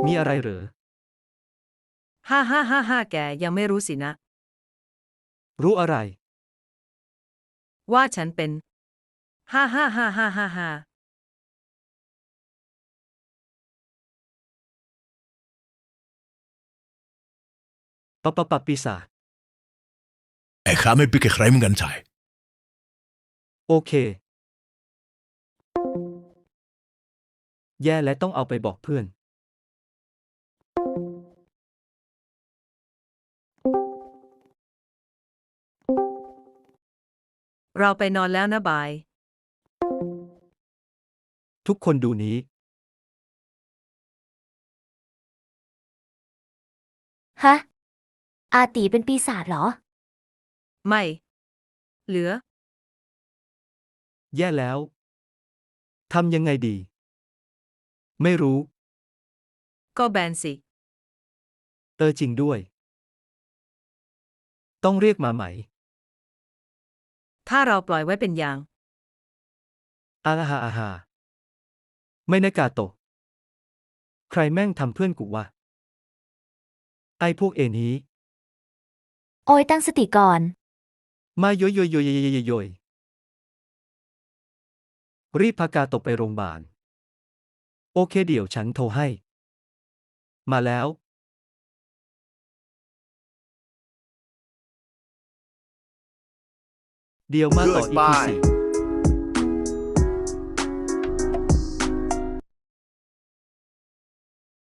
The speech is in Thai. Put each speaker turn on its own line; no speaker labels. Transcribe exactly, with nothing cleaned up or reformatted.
มีอะไรเหรอ
ฮ่าฮ่าฮ่าฮ่าแกยังไม่รู้สินะ
รู้อะไร
ว่าฉันเป็นฮ่าฮ่าฮ่าฮ่าฮ่าฮ่า
ปะปะปะปีศาจ
Ik ga met pikken grijpen gaan zijn.
โอเค แย่และต้องเอาไปบอกเพื่อน
เราไปนอนแล้วนะบาย
ทุกคนดูนี้
ฮะ อาตีเป็นปีศาจเหรอ
ไม่ เหลือ
แย่แล้ว ทำยังไงดี ไม่รู้
ก็แบนสิ
เออจริงด้วย ต้องเรียกมาไหม
ถ้าเราปล่อยไว้เป็นอย่าง
อาฮาอาฮาไม่นะกาโตะใครแม่งทำเพื่อนกูวะ ไอ้พวกเอนี้
โอ้ยตั้งสติก่อน
มาโยยโยยโยยโยยโยยโยยรีบพากาโตะไปโรงพยาบาล โอเคเดี๋ยวฉันโทรให้ มาแล้ว เดี๋ยวมาต่ออีพีสี่